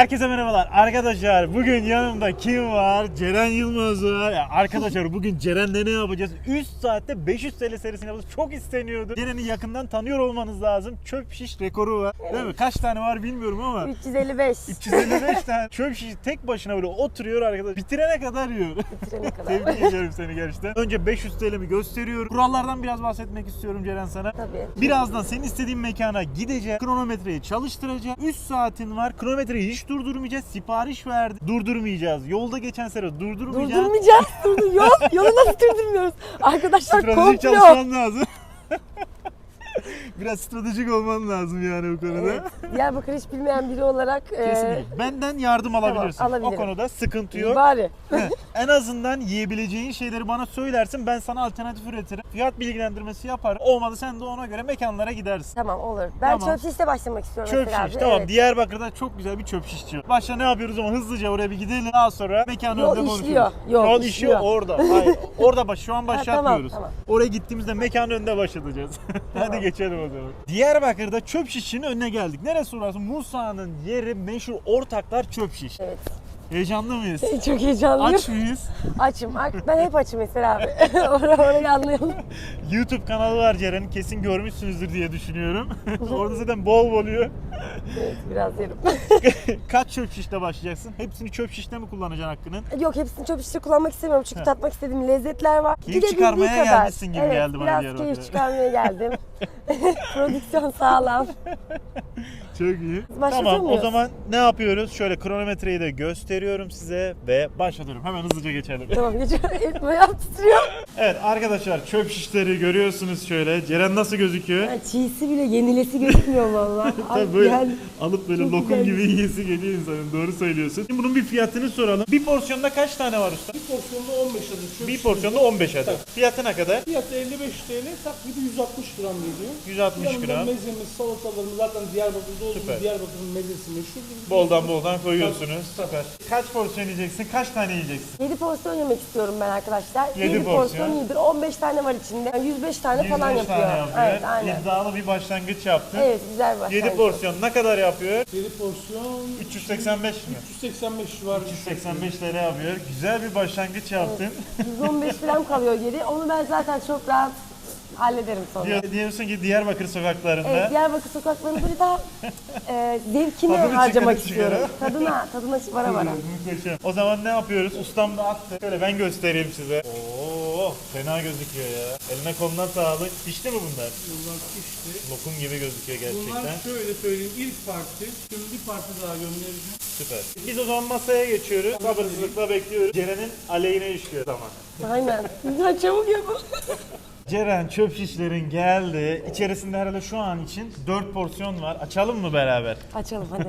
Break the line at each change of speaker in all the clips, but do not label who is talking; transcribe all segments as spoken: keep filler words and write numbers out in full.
Herkese merhabalar arkadaşlar. Bugün yanımda kim var? Ceren Yılmaz var. Ya arkadaşlar bugün Ceren'le ne yapacağız? üç saatte beş yüz TL serisini yapacağız. Çok isteniyordu. Ceren'i yakından tanıyor olmanız lazım. Çöp şiş rekoru var. Değil mi? Kaç tane var bilmiyorum ama.
üç yüz elli beş.
üç yüz elli beş tane çöp şiş tek başına böyle oturuyor arkadaş. Bitirene kadar yiyor.
Bitirene kadar.
Tebrik ediyorum seni gerçekten. Önce beş yüz TL'mi gösteriyorum. Kurallardan biraz bahsetmek istiyorum Ceren sana.
Tabii.
Birazdan senin istediğin mekana gideceğim. Kronometreyi çalıştıracağım. üç saatin var. Kronometreyi hiç durdurmayacağız. Sipariş verdi. Durdurmayacağız. Yolda geçen sene durdurmayacağız.
Durdurmayacağız. Durdur. Yol, yolu nasıl durdurmuyoruz? Arkadaşlar
Stratejik
komplo.
çalışman lazım. Biraz stratejik olman lazım yani bu konuda.
Evet. Diyarbakır hiç bilmeyen biri olarak
Kesinlikle.
e,
Benden yardım alabilirsin.
Tamam,
o
alabilirim.
konuda sıkıntı yok.
bari.
En azından yiyebileceğin şeyleri bana söylersin. Ben sana alternatif üretirim. Fiyat bilgilendirmesi yaparım. Olmadı sen de ona göre mekanlara gidersin.
Tamam olur. Ben
Tamam.
çöp şişle başlamak istiyorum
Çöp
mesela
şiş
abi.
tamam.
Evet.
Diyarbakır'da çok güzel bir çöp şişçi var. Başta ne yapıyoruz ama hızlıca oraya bir gidelim. Daha sonra mekanın
Yol
önünde
işliyor.
konuşuruz.
Yol
Yol
işliyor.
işiyor orada. Hayır. Orada baş, şu an başlatmıyoruz.
tamam,
Oraya gittiğimizde mekanın önünde başlatacağız. Hadi geçelim o zaman. Diyarbakır'da çöp şişçinin önüne geldik. Neresi orası? Musa'nın yeri meşhur Ortaklar Çöp Şiş.
Evet.
Heyecanlı mıyız?
Çok heyecanlıyım.
Aç mıyız?
Açım. Ben hep açım mesela abi. Orayı orayı anlayalım.
YouTube kanalı var Ceren'in. Kesin görmüşsünüzdür diye düşünüyorum. Orada zaten bol bol yiyor.
Evet, biraz yerim.
Kaç çöp şişle başlayacaksın? Hepsini çöp şişle mi kullanacaksın hakkının?
Yok, hepsini çöp şişle kullanmak istemiyorum çünkü
Heh.
tatmak istediğim lezzetler var.
Keyif
Gidebildiği
çıkarmaya
kadar.
gelmişsin gibi
evet,
geldi bana
biraz
Diyarbakır'a.
keyif çıkarmaya geldim. Prodüksiyon sağlam.
Çok iyi.
Başlatıyor
Tamam
muyuz?
o zaman ne yapıyoruz? Şöyle kronometreyi de gösteriyorum size ve başlatıyorum. Hemen hızlıca geçelim.
Tamam, geçiyorum. Elimi ayağım titriyor.
Evet arkadaşlar çöp şişleri görüyorsunuz şöyle. Ceren nasıl gözüküyor?
Yani çiğsi bile yenilesi gözükmüyor vallahi.
Tabii böyle
Yani
alıp böyle
çok
lokum
güzel.
gibi yiyesi geliyor insanın. Doğru söylüyorsun. Şimdi bunun bir fiyatını soralım. Bir porsiyonda kaç tane var usta?
Bir porsiyonda on beş adet çöp
Bir
şiş.
porsiyonda on beş adet. Fiyatı ne kadar?
Fiyatı elli beş TL, takribi yüz altmış gram geliyor.
yüz altmış
Yanında
gram.
mezemiz, salatalarımız zaten Diyarbakır'da olduğu
Süper.
gibi Diyarbakır'ın mezesi meşhurdur.
Boldan boldan koyuyorsunuz. Süper. Kaç porsiyon yiyeceksin? Kaç tane yiyeceksin?
yedi porsiyon yemek istiyorum ben arkadaşlar.
Yedi
yedi
porsiyon.
porsiyon iyidir. on beş tane var içinde. Yani yüz beş tane falan
yüz beş
yapıyor.
tane yapıyor.
Evet, aynen.
İddialı bir başlangıç yaptın.
Evet, güzel bir başlangıç.
yedi porsiyon ne kadar yapıyor?
yedi porsiyon
üç yüz seksen beş mi?
üç yüz seksen beş civarı.
üç yüz seksen beş TL yapıyor. Güzel bir başlangıç yaptın.
yüz on beş falan kalıyor geri. Onu ben zaten çok rahat hallederim sonra.
Diyor, diyorsun ki Diyarbakır sokaklarında.
Evet, Diyarbakır sokaklarını böyle daha e, zevkine
Tadını
harcamak
çıkarıp
istiyorum. Tadına, tadına vara vara.
Muhteşem. O zaman ne yapıyoruz? Ustam da attı. Şöyle ben göstereyim size. Oo, fena gözüküyor ya. Eline koluna sağlık. Pişti mi bunlar?
Bunlar pişti.
Lokum gibi gözüküyor gerçekten.
Bunlar şöyle söyleyeyim, ilk parti. Şimdi bir parti daha göndereceğim.
Süper. Biz o zaman masaya geçiyoruz. Sabırsızlıkla bekliyoruz. Ceren'in aleyhine işliyor zaman.
Aynen. Güzel, çabuk yapın.
Ceren çöp şişlerin geldi. İçerisinde herhalde şu an için dört porsiyon var. Açalım mı beraber?
Açalım hadi.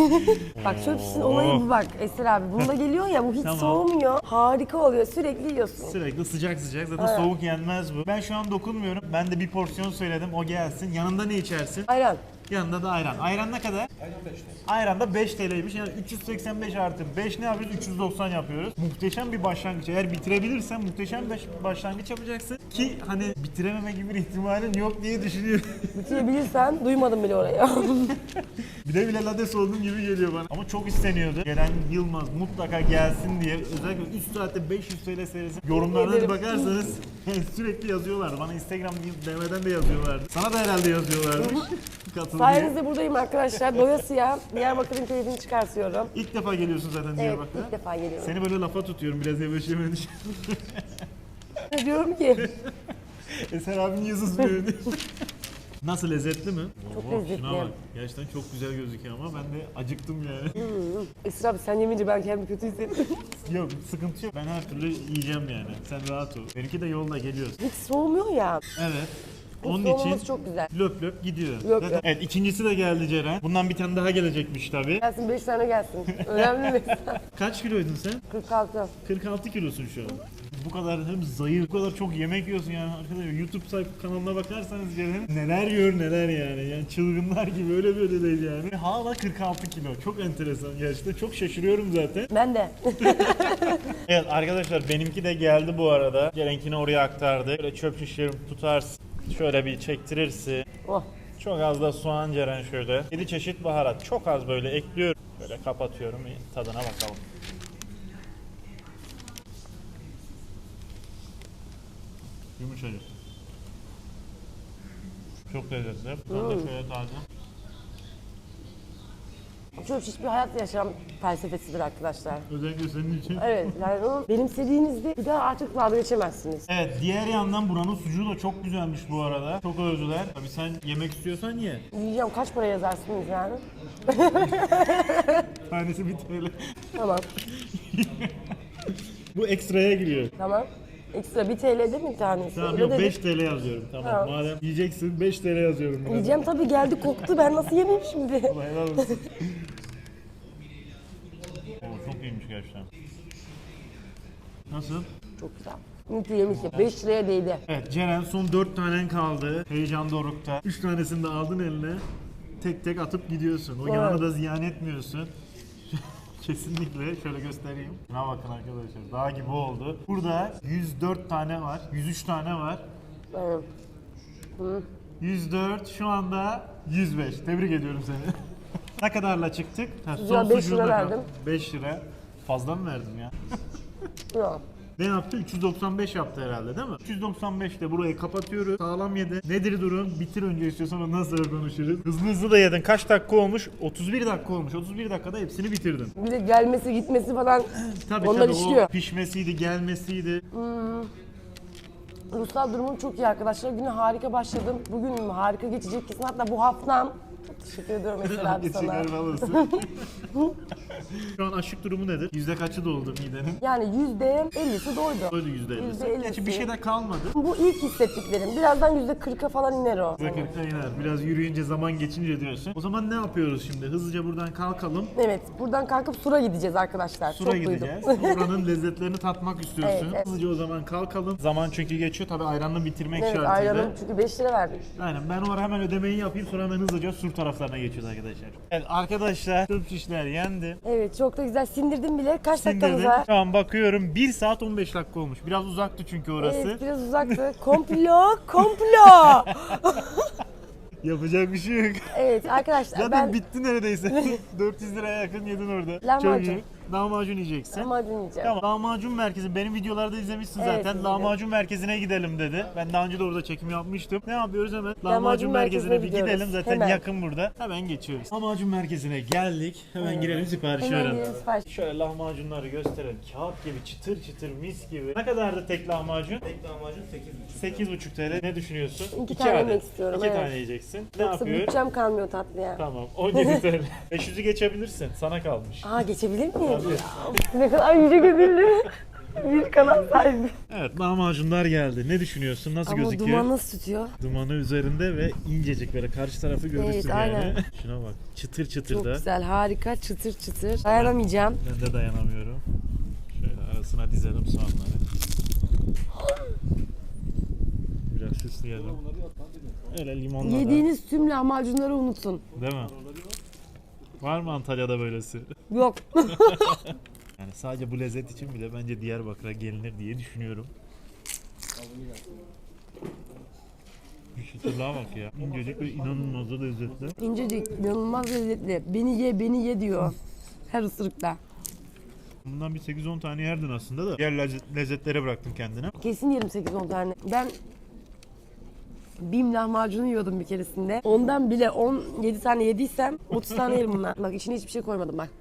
Bak çöp şişin olayı bu bak Eser abi. Bunda geliyor ya, bu hiç
Tamam.
soğumuyor. Harika oluyor. Sürekli yiyorsun.
Sürekli sıcak sıcak. Zaten
Evet.
soğuk yenmez bu. Ben şu an dokunmuyorum. Ben de bir porsiyon söyledim. O gelsin. Yanında ne içersin?
Ayran.
Yanında da ayran. Ayran ne kadar? Ayran da beş TL'ymiş. Yani üç yüz seksen beş artı beş ne yapıyoruz? üç yüz doksan yapıyoruz. Muhteşem bir başlangıç. Eğer bitirebilirsen muhteşem bir başlangıç yapacaksın. Ki hani bitirememe gibi bir ihtimalin yok diye düşünüyorum.
Bitirebilirsen duymadım bile orayı.
bile bile lades olduğum gibi geliyor bana. Ama çok isteniyordu. Ceren Yılmaz mutlaka gelsin diye. Özellikle üç saatte beş yüz TL serisi. Yorumlarına
Ederim.
bakarsanız sürekli yazıyorlardı. Bana Instagram D M'den de yazıyorlardı. Sana da herhalde yazıyorlardı. Katıl diye.
Sayenizde buradayım arkadaşlar. Doyasıya Diyarbakır'ın keyfini çıkartıyorum.
İlk defa geliyorsun zaten
Evet,
Diyarbakır'a.
ilk defa geliyorum.
Seni böyle lafa tutuyorum biraz yavaş yavaş.
Ne diyorum ki?
Eser abinin yazısı böyle. Nasıl, lezzetli mi?
Çok
Oo,
lezzetli.
Şuna bak. Gerçekten çok güzel gözüküyor ama ben de acıktım yani.
Eser abi sen yemeyince ben kendimi kötü hissettim.
Yok sıkıntı yok. Ben her türlü yiyeceğim yani. Sen rahat ol. Benimki de yolda geliyoruz.
Hiç soğumuyor ya.
Evet.
Bu
Onun
soğumaması
için
çok güzel.
löp löp gidiyor.
Löp
Zaten-
löp.
Evet ikincisi de geldi Ceren. Bundan bir tane daha gelecekmiş tabii.
Gelsin beş tane gelsin. Önemli mi?
Kaç kiloydun sen?
kırk altı.
kırk altı kilosun şu an. Bu kadar hem zayıf, bu kadar çok yemek yiyorsun yani arkadaşlar. YouTube sayfa kanalına bakarsanız Ceren neler yiyor neler yani. Yani çılgınlar gibi, öyle böyle değil yani. Hala kırk altı kilo. Çok enteresan gerçekten. Çok şaşırıyorum zaten.
Ben de.
Evet arkadaşlar benimki de geldi bu arada. Ceren'kini oraya aktardı. Böyle çöp şişlerimi tutarsın. Şöyle bir çektirirsin.
Oh.
Çok az da soğan Ceren şöyle. yedi çeşit baharat. Çok az böyle ekliyorum. Böyle kapatıyorum. Tadına bakalım. Yumuşacık. Çok lezzetli. Ben de şöyle taze.
Çöp şiş bir hayat yaşam felsefesidir arkadaşlar.
Özellikle senin için.
Evet, yani onu benimsediğinizde bir daha artık vazgeçemezsiniz.
Evet, diğer yandan buranın sucuğu da çok güzelmiş bu arada. Çok övdüler. Tabii sen yemek istiyorsan ye.
Yiyeceğim, kaç para yazarsınız yani?
Tanesi bir T L.
Tamam,
Bu ekstraya giriyor.
tamam. Ekstra bir T L değil mi tanesi?
Tamam
Öyle
yok
dedik.
beş T L yazıyorum. Tamam.
Tamam.
Madem yiyeceksin beş T L yazıyorum. Burada.
Yiyeceğim tabii, geldi koktu, ben nasıl yemeyeyim şimdi?
Allah helal olsun. Oo, çok iyiymiş gerçekten. Nasıl?
Çok güzel. Mutlu yemişim, beş liraya değdi.
Evet Ceren son dört tanen kaldı. Heyecan dorukta. üç tanesini de aldın eline. Tek tek atıp gidiyorsun. O
Evet.
yağını da ziyan etmiyorsun. Kesinlikle şöyle göstereyim. Şuna bakın arkadaşlar. Dağ gibi oldu. Burada yüz dört tane var. yüz üç tane var.
Evet.
yüz dört şu anda yüz beş. Tebrik ediyorum seni. Ne kadarla çıktık? Ha,
Sucuğa beş
sucuğu
lira
da
verdim.
kaldı. beş lira. Fazla mı verdim ya?
Yok.
Ne yaptı? üç yüz doksan beş yaptı herhalde değil mi? üç yüz doksan beşte burayı kapatıyoruz. Sağlam yedi. Nedir durum? Bitir önce istiyorsan ondan sonra konuşuruz. Hızlı hızlı da yedin. Kaç dakika olmuş? otuz bir dakika olmuş. otuz bir dakikada hepsini bitirdin.
Bir de gelmesi gitmesi falan
Tabii
onlar
tabii
işliyor.
o pişmesiydi, gelmesiydi.
Ruhsal durumum çok iyi arkadaşlar. Güne harika başladım. Bugün harika geçecek kesin. Hatta bu haftam. Çok teşekkür ediyorum mesela abi sana.
Geçenler alırsın. Şu an açlık durumu nedir? Yüzde kaçı doldu midenin?
Yani yüzde ellisi doydu.
Öyle yüzde ellisi.
Yüzde ellisi.
Gerçi bir şey de kalmadı.
Bu ilk hissettiklerim. Birazdan yüzde kırka falan iner o.
Yüzde kırkta iner. Biraz yürüyünce, zaman geçince diyorsun. O zaman ne yapıyoruz şimdi? Hızlıca buradan kalkalım.
Evet, buradan kalkıp Sur'a gideceğiz arkadaşlar.
Sur'a
çok
gideceğiz.
duydum.
Oranın lezzetlerini tatmak istiyorsun.
Evet, evet.
Hızlıca o zaman kalkalım. Zaman çünkü geçiyor. Tabii ayranla bitirmek
Evet,
şartıyla.
ayranım çünkü beş lira verdim.
Aynen ben o ara hemen ödemeyi yapayım sonra hemen hızlıca Sur taraflarına geçiyoruz arkadaşlar. Evet arkadaşlar çöp şişler yendi.
Evet, çok da güzel sindirdim bile. Kaç dakikamız
Sindirdim.
var?
Şu an bakıyorum bir saat on beş dakika olmuş. Biraz uzaktı çünkü orası.
Evet, biraz uzaktı. Komplo, komplo.
Yapacak bir şey yok.
Evet arkadaşlar
Zaten
ben
bitti neredeyse. dört yüz liraya yakın yedin orada.
Lahmacun.
Çok iyi. Lahmacun yiyeceksin.
lahmacun yiyeceğim.
Tamam. Lahmacun merkezi. Benim videolarda izlemişsin
Evet,
zaten.
izledim.
Lahmacun merkezine gidelim dedi. Ben daha önce de orada çekim yapmıştım. Ne yapıyoruz hemen? Lahmacun,
Lahmacun
merkezine
merkezine
bir gidelim.
gidiyoruz.
Zaten
Hemen.
yakın burada. Hemen geçiyoruz. Lahmacun merkezine geldik. Hemen girelim sipariş
Hemen
verelim.
girelim, sipariş.
Şöyle lahmacunları gösterelim. Kağıt gibi çıtır çıtır mis gibi. Ne kadardı tek lahmacun?
Tek lahmacun sekiz buçuk.
sekiz buçuk T L. Ne düşünüyorsun?
İki tane
adet.
yemek istiyorum,
İki
evet.
tane yiyeceksin. Ne
Yoksa
yapıyor?
bütçem kalmıyor tatlıya.
Tamam. on yedi T L. beş yüzü geçebilirsin. Sana kalmış.
Aa, geçebilir miyim? Ya, ne kadar yüce gönüllü. Bir kanal sahibi.
Evet lahmacunlar geldi. Ne düşünüyorsun? Nasıl
Ama
gözüküyor?
duman nasıl tutuyor?
Dumanı üzerinde ve incecik böyle karşı tarafı görürsün
Evet,
yani.
aynen.
Şuna bak. Çıtır çıtır
Çok
da.
güzel, harika, çıtır çıtır. Dayanamayacağım.
Ben de dayanamıyorum. Şöyle arasına dizelim soğanları. Biraz süsleyelim. Öyle limonla da.
Yediğiniz tüm lahmacunları unutun.
Değil mi? Var mı Antalya'da böylesi?
Yok.
Yani sadece bu lezzet için bile bence Diyarbakır'a gelinir diye düşünüyorum. Şu çıtırlığa bak ya. İncecik ve inanılmaz da lezzetli.
İncecik, inanılmaz lezzetli. Beni ye, beni ye diyor. Her ısırıkta.
Bundan bir sekiz on tane yerdin aslında da. Diğer lezzet- lezzetlere bıraktın kendine.
Kesin yerim sekiz on tane. Ben Bim lahmacunu yiyordum bir keresinde. Ondan bile on yedi tane yediysem otuz tane yerim bundan. Bak içine hiçbir şey koymadım bak.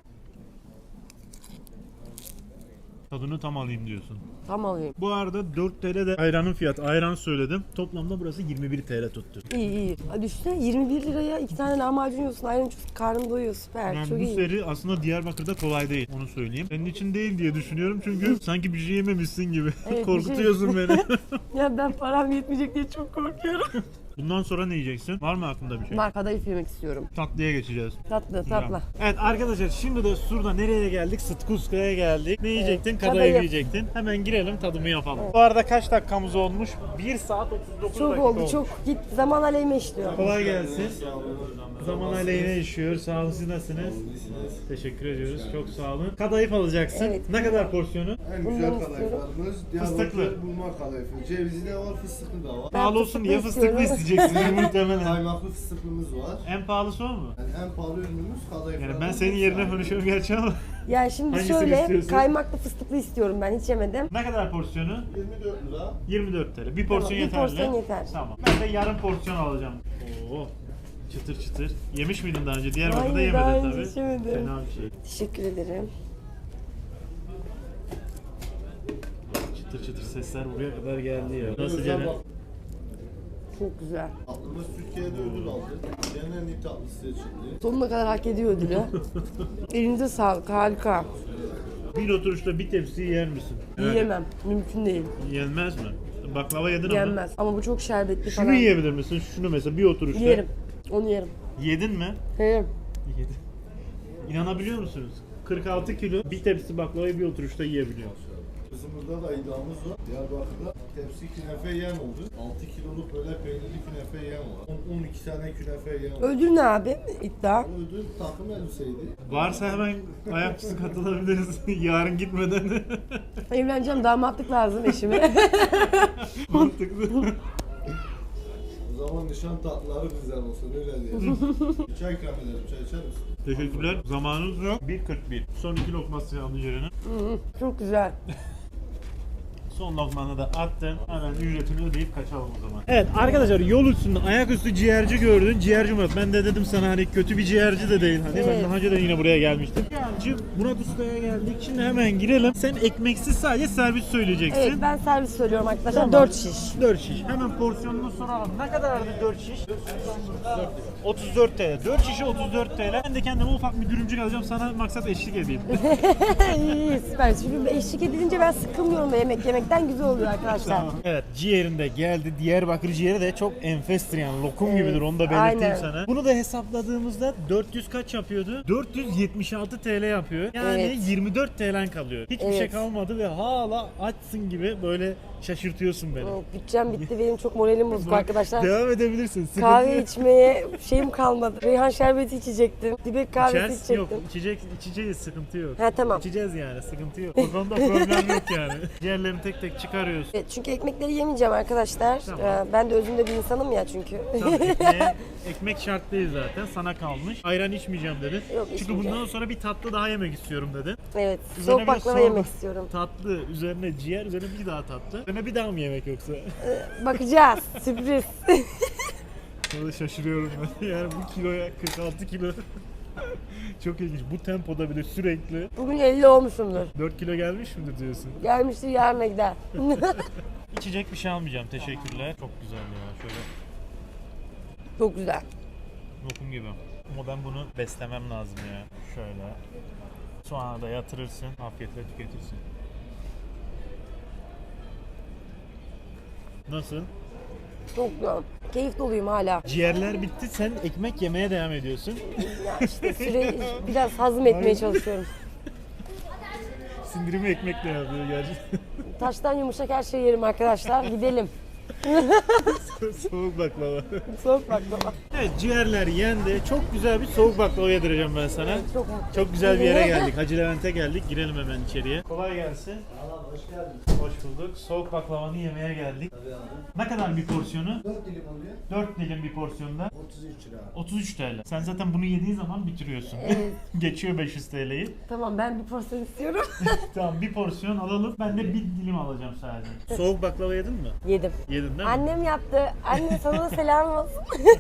Tadını tam alayım diyorsun.
Tam alayım.
Bu arada dört T L de ayranın fiyatı. Ayran söyledim. Toplamda burası yirmi bir T L tuttu.
İyi iyi. Hadi düşünsene yirmi bir liraya iki tane lahmacun yiyorsun. Ayran çok karnın doyuyor. Süper.
Yani
çok
bu
iyi.
seri aslında Diyarbakır'da kolay değil. Onu söyleyeyim. Senin için değil diye düşünüyorum çünkü sanki bir şey yememişsin gibi.
Evet,
Korkutuyorsun beni.
Ya ben param yetmeyecek diye çok korkuyorum.
Bundan sonra ne yiyeceksin? Var mı aklında bir şey?
Var, kadayıf yemek istiyorum.
Tatlıya geçeceğiz.
Tatlı tatlı.
Evet arkadaşlar şimdi de Sur'da nereye geldik? Sıtkuska'ya geldik. Ne yiyecektin? Kadayıf,
kadayıf.
yiyecektin. Hemen girelim tadımı yapalım. Bu arada kaç dakikamız olmuş? bir saat otuz dokuz
Çok
dakika
oldu
olmuş.
çok. Git zaman aleyhime işliyor.
Kolay gelsin. Zaman aleyhine işiyor. Sağ olun, siz nasılsınız? Teşekkür ediyoruz. Çok sağ olun. Kadayıf alacaksın.
Evet.
Ne kadar porsiyonu?
En
Bundan
güzel
istiyorum.
kadayıflarımız
Fıstıklı.
Diyarbakır bulma kadayıfı. Cevizi de var, fıstıklı da var.
Ben
Pahalı olsun diye
fıstıklı
fıstıklı
istiyorum.
isteyeceksiniz muhtemelen.
Kaymaklı fıstıklımız var.
En pahalısı o mu?
Yani en pahalı ürünümüz kadayıf.
Yani ben senin yerine konuşuyorum gerçi ama.
Yani şimdi
Hangisini
şöyle
istiyorsun?
kaymaklı fıstıklı istiyorum ben, hiç yemedim.
Ne kadar porsiyonu?
yirmi dört lira.
yirmi dört T L. Bir porsiyon
bir
yeterli.
porsiyon yeter.
Tamam. Ben de yarım porsiyon alacağım. Oo. Çıtır çıtır. Yemiş miydin daha önce? Diyarbakır'da
Hayır, daha
yemedin
önce
tabii.
hiç yemedim.
Fena bir şey.
Teşekkür ederim.
Çıtır çıtır sesler buraya kadar geldi ya. Nasıl
Özel
Ceren?
bak-
Çok güzel.
Tatlımız Türkiye'de ödül aldı. Dünyanın en iyi tatlısı seçildi.
Sonuna kadar hak ediyor ödülü. Elinize sağlık, harika.
Bir oturuşta bir tepsi yer misin?
Yiyemem, mümkün değil.
Yenmez mi? Baklava yedin ama.
Yenmez. Ama bu çok şerbetli
Şunu
falan.
yiyebilir misin? Şunu mesela bir oturuşta.
Yerim. Onu yerim.
Yedin mi?
Yerim.
Yedim. İnanabiliyor musunuz? kırk altı kilo bir tepsi baklavayı bir oturuşta yiyebiliyor.
Bizim burada da iddiamız var. Diyarbakır'da tepsi künefe yiyen oldu. altı kiloluk böyle peynirli künefe yiyen var. on on iki tane künefe yiyen var.
Ödül ne abi? İddia.
Ödül takım elbiseydi.
Varsa hemen ayaküstü katılabiliriz yarın gitmeden.
Evleneceğim, damatlık lazım eşime.
Mantıklı.
O zaman nişan tatlıları güzel olsun öyle diyelim. Bir çay ikram edelim. Çay içer misin?
Teşekkürler. Zamanınız yok. bir kırk bir. Son iki lokması aldı Ceren'in.
Çok güzel.
Son lokmanı da attın. Hemen ücretini ödeyip kaçalım o zaman. Evet arkadaşlar, yol üstünde ayaküstü ciğerci gördün. Ciğerci Murat. Ben de dedim sana hani kötü bir ciğerci de değil. Hani ben
Evet.
daha önce de yine buraya gelmiştim. Ciğerci Murat Usta'ya geldik. Şimdi hemen girelim. Sen ekmeksiz sadece servis söyleyeceksin.
Evet, ben servis söylüyorum arkadaşlar.
Tamam.
dört şiş.
dört şiş. Hemen porsiyonunu soralım. Ne kadardı dört şiş? otuz dört T L. dört şişi otuz dört T L. Ben de kendime ufak bir dürümcük alacağım. Sana maksat eşlik edeyim.
İyi, iyi, süper. Çünkü eşlik edilince ben sıkılmıyorum yemek yemekten, güzel oluyor arkadaşlar.
Evet, ciğerinde geldi. Diyarbakır ciğeri de çok enfestir yani. Lokum
Evet,
gibidir, onu da belirteyim
aynen.
sana. Bunu da hesapladığımızda dört yüz kaç yapıyordu? dört yüz yetmiş altı T L yapıyor. Yani
Evet.
yirmi dört T L'en kalıyor. Hiçbir şey
Evet.
kalmadı ve hala açsın gibi böyle şaşırtıyorsun beni.
Evet, bütçem bitti, benim çok moralim bozuk arkadaşlar.
Devam edebilirsin. Sıkıntı
Kahve
yok.
içmeye şeyim kalmadı. Reyhan şerbeti içecektim. Dibek kahvesi
İçersin, yok,
içecektim.
içecek, içeceğiz, sıkıntı yok.
Ha, tamam.
İçeceğiz yani, sıkıntı yok. O konuda problem yok yani. Ciğerlerini tek tek çıkarıyorsun.
Evet, çünkü ekmekleri yemeyeceğim arkadaşlar.
Tamam.
Ee, Ben de özünde bir insanım ya çünkü.
Tamam, ekmeğe, ekmek şart değil zaten, sana kalmış. Ayran içmeyeceğim dedin.
Yok,
Çünkü
içmeyeceğim.
bundan sonra bir tatlı daha yemek istiyorum dedin.
Evet,
Üzerine
soğuk
bir de
baklava
sorma.
yemek istiyorum.
Tatlı, üzerine ciğer, üzerine bir daha tatlı. Üzerine bir daha mı yemek yoksa?
Bakacağız, sürpriz.
Orada şaşırıyorum ben. Yani bu kiloya kırk altı kilo. Çok ilginç. Bu tempoda bile sürekli
Bugün elli olmuşumdur.
dört kilo gelmiş midir diyorsun?
Gelmiştir, yarına gider.
İçecek bir şey almayacağım. Teşekkürler. Çok güzel ya. Şöyle
Çok güzel.
lokum gibi. Ama ben bunu beslemem lazım ya. Şöyle. Soğanı da yatırırsın. Afiyetle tüketirsin. Nasıl?
Çok güzel. Keyif doluyum hala.
Ciğerler bitti. Sen ekmek yemeye devam ediyorsun.
Ya işte süre biraz hazım etmeye çalışıyorum.
Sindirimi ekmekle yapıyor gerçekten.
Taştan yumuşak her şeyi yerim arkadaşlar. Gidelim.
Soğuk baklava.
Soğuk baklava.
Evet, ciğerler yendi. Çok güzel bir soğuk baklava yedireceğim ben sana.
Çok mutlu.
Çok güzel bir yere geldik. Hacı Levent'e geldik. Girelim hemen içeriye. Kolay gelsin.
Hoş geldin.
Hoş bulduk. Soğuk baklavanı yemeye geldik. Ne kadar bir porsiyonu?
dört dilim oluyor.
dört dilim bir porsiyonda.
otuz üç lira.
otuz üç T L. Sen zaten bunu yediğin zaman bitiriyorsun.
Evet.
Geçiyor beş yüz T L'yi.
Tamam, ben bir porsiyon istiyorum.
Tamam, bir porsiyon alalım. Ben de bir dilim alacağım sadece. Soğuk baklava yedin mi?
Yedim.
Yedin değil mi?
Annem yaptı. Anne, sana da selam olsun.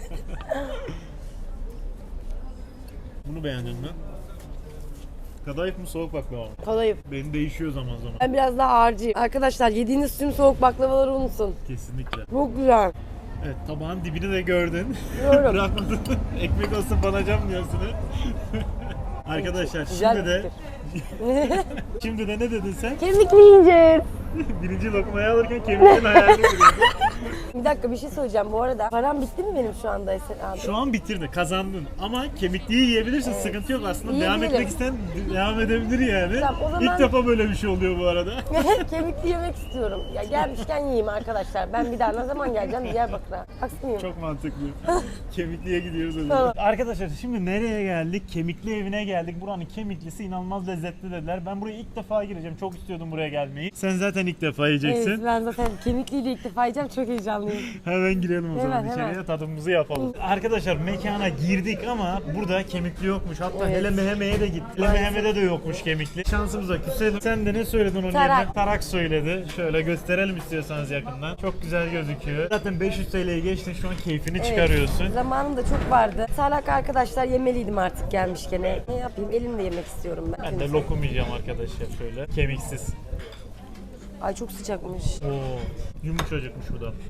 Bunu beğendin mi? Kadayıf mı, soğuk baklava mı?
Kadayıf.
Benim değişiyor zaman zaman.
Ben biraz daha ağırcıyım. Arkadaşlar, yediğiniz tüm soğuk baklavaları unutun.
Kesinlikle.
Çok güzel.
Evet, tabağın dibini de gördün.
Biliyorum.
Bırakmadın. Ekmek olsun banacağım diyorsun. Arkadaşlar
Güzel
şimdi de
fikir.
şimdi de ne dedin sen?
Kemik mi yiyeceğiz?
Birinci lokmayı alırken kemiklerin hayalini kuruyorsun.
Bir dakika bir şey söyleyeceğim bu arada. Param bitti mi benim şu anda Eser abi?
Şu an bitirdi, kazandın. Ama kemikliği yiyebilirsin, sıkıntı yok aslında. Devam
Yiyebilirim.
etmek isteyen devam edebilir yani.
Tamam, o zaman-
İlk defa böyle bir şey oluyor bu arada.
Kemikli yemek istiyorum. Ya gelmişken yiyeyim arkadaşlar. Ben bir daha ne zaman geleceğim Diyarbakır'a? Haksız mıyım?
Çok mantıklı. Kemikliye gidiyoruz o
Tamam.
zaman. Arkadaşlar şimdi nereye geldik? Kemikli evine geldik. Buranın kemiklisi inanılmaz lezzetli dediler. Ben buraya ilk defa gireceğim. Çok istiyordum buraya gelmeyi. Sen zaten ilk defa yiyeceksin.
Evet ben zaten kemikliyle ilk defa yiyeceğim. Çok heyecanlıyım.
Hemen girelim o zaman
Hemen,
içeriye,
hemen.
tadımızı yapalım. Arkadaşlar mekana girdik ama burada kemikli yokmuş. Hatta
Evet.
hele meheme'ye de gittik. Hele meheme'de de yokmuş kemikli. Şansımıza küselim. Sen de ne söyledin onun
Tarak.
yerine? Tarak söyledi. Şöyle gösterelim istiyorsanız yakından. Çok güzel gözüküyor. Zaten beş yüz T L'ye geçtin, şu an keyfini çıkarıyorsun.
Zamanım da çok vardı. Salak arkadaşlar yemeliydim artık gelmişken. Ne ne yapayım? Elimle yemek istiyorum ben.
Ben de lokum yiyeceğim arkadaşlar şöyle. Kemiksiz.
Ay çok sıcakmış.
Oo, yumuşacıkmış bu da. Hmm.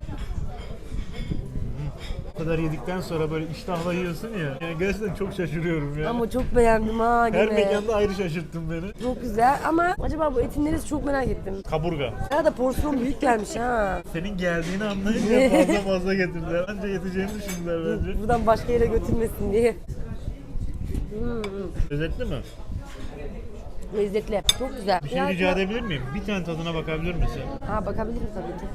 Bu kadar yedikten sonra böyle iştahla yiyorsun ya. Yani gerçekten çok şaşırıyorum ya.
Ama çok beğendim ha
Her
gene.
mekanda ayrı şaşırttın beni.
Çok güzel ama acaba bu etin neresi çok merak ettim.
Kaburga.
Ya da porsiyon büyük gelmiş ha.
Senin geldiğini anlayınca fazla fazla getirdiler. Anca yeteceğini düşündüler bence.
Buradan başka yere götürmesin diye. Hmm,
Lezzetli mi?
lezzetli. Çok güzel.
Bir şey
Ya-
rica edebilir miyim? Bir tane tadına bakabilir misin?
Ha bakabilirim tabii ki.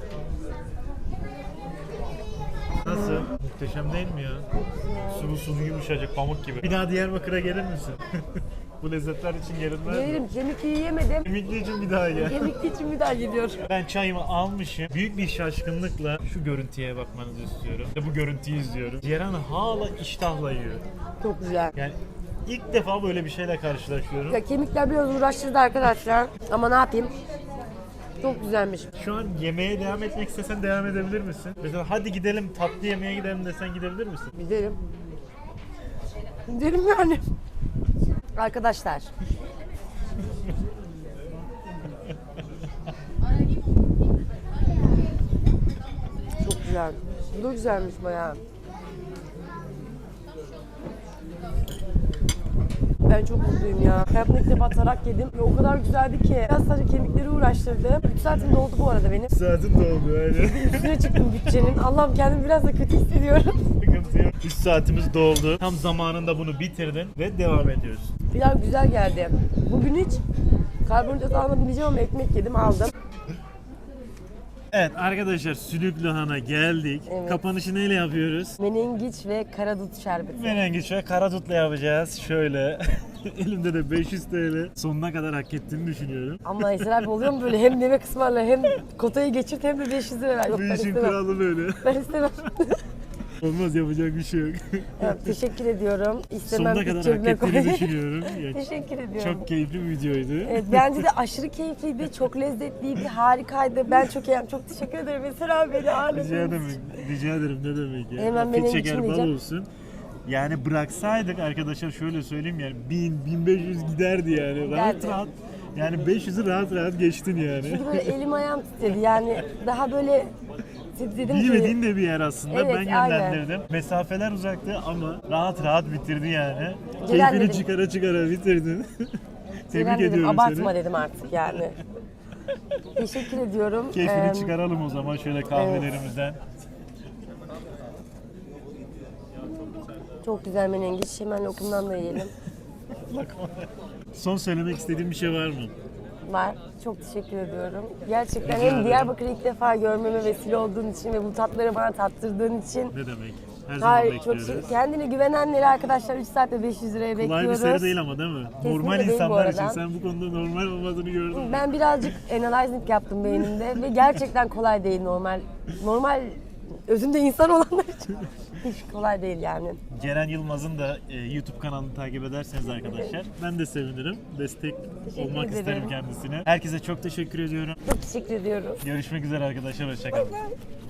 Nasıl? Muhteşem değil mi ya? Sulu sulu yumuşacık pamuk gibi. Bir daha Diyarbakır'a gelir misin? Bu lezzetler için gelinmez mi?
Gelirim kemikli yiyemedim.
Kemikli için bir daha gel.
Kemikli için bir daha gidiyorum.
Ben çayımı almışım. Büyük bir şaşkınlıkla şu görüntüye bakmanızı istiyorum. Ve bu görüntüyü izliyorum. Ceren hala iştahla yiyor.
Çok güzel.
Yani ilk defa böyle bir şeyle karşılaşıyorum.
Ya kemikler biraz uğraştırdı arkadaşlar. Ama ne yapayım? Çok güzelmiş.
Şu an yemeğe devam etmek istesen devam edebilir misin? Mesela hadi gidelim tatlı yemeğe gidelim desen gidebilir misin?
Giderim. Giderim yani. Arkadaşlar. Çok güzel. Bu da güzelmiş bayağı. Ben çok mutluyum ya. Hayatımda ilk defa tarak yedim ve o kadar güzeldi ki. Biraz sadece kemikleri uğraştırdı. üç saatim doldu bu arada benim.
Saatin doldu öyle.
Üstüne çıktım bütçenin. Allah'ım kendimi biraz da kötü hissediyorum.
Sıkıntı yok. üç saatimiz doldu. Tam zamanında bunu bitirdin ve devam ediyoruz.
Pilav güzel geldi. Bugün hiç karbonhidrat almayabileceğim ama ekmek yedim aldım.
Evet arkadaşlar Sülük Lahan'a geldik.
Evet.
Kapanışı neyle yapıyoruz?
Menengiç ve karadut şerbeti.
Menengiç ve karadutla yapacağız. Şöyle. Elimde de beş yüz T L. Sonuna kadar hak ettiğini düşünüyorum.
Ama Eser abi oluyor mu böyle hem yemek ısmarla hem kotayı geçirt hem de beş yüz lira ver. Yok
Bu
ben
işin
istemem.
kralı böyle.
Ben istemem.
Olmaz, yapacak bir şey yok.
Evet, teşekkür ediyorum. İstemem
Sonuna
iç
kadar hak
cebime
ettiğini
koy.
düşünüyorum. Ya,
Teşekkür ediyorum.
çok keyifli bir videoydu.
Evet, bence de aşırı keyifliydi, çok lezzetliydi, harikaydı. Ben çok iyiyim, çok teşekkür ederim Eser abi beni
Rica
ağırladığınız için.
ederim. Rica ederim, ne demek ya.
Hemen
Afiyet
benim
şeker
için
bal
yiyeceğim.
olsun. Yani bıraksaydık arkadaşlar şöyle söyleyeyim yani bin bin beş yüz giderdi yani. Rahat
Giderdi.
rahat. Yani beş yüzü rahat rahat geçtin yani.
Çünkü böyle elim ayağım titredi yani daha böyle dedim ki
Bilmediğin de bir yer aslında.
Evet,
Ben
aynen.
yönlendirdim. Mesafeler uzaktı ama rahat rahat bitirdi yani.
Ceren
Keyfini
dedim.
çıkara çıkara bitirdin.
Ceren
Tebrik
dedim,
ediyorum
abartma
seni.
dedim artık yani. Teşekkür ediyorum.
Keyfini
Ee,
çıkaralım o zaman şöyle kahvelerimizden.
Çok güzel menengiç. Hemen lokumdan da yiyelim.
Son söylemek istediğin bir şey var mı?
Var. Çok teşekkür ediyorum. Gerçekten
Rica
hem
ederim.
Diyarbakır'ı ilk defa görmeme vesile olduğun için ve bu tatları bana tattırdığın için.
Ne demek? Her zaman
Hayır, çok
bekliyoruz.
şey- kendine güvenenleri arkadaşlar üç saatte beş yüz liraya
Kolay bir
bekliyoruz.
seri değil ama değil mi? Normal
değil bu
insanlar için
arada.
sen bu konuda normal olmadığını gördün mü?
Ben birazcık analyzing yaptım beynimde ve gerçekten kolay değil normal. Normal özünde insan olanlar için hiç kolay değil yani.
Ceren Yılmaz'ın da e, YouTube kanalını takip ederseniz arkadaşlar ben de sevinirim. Destek
Teşekkür
olmak
ederim.
isterim kendisine. Herkese çok teşekkür ediyorum.
Çok teşekkür ediyoruz.
Görüşmek üzere arkadaşlar. Hoşçakalın.
Bye.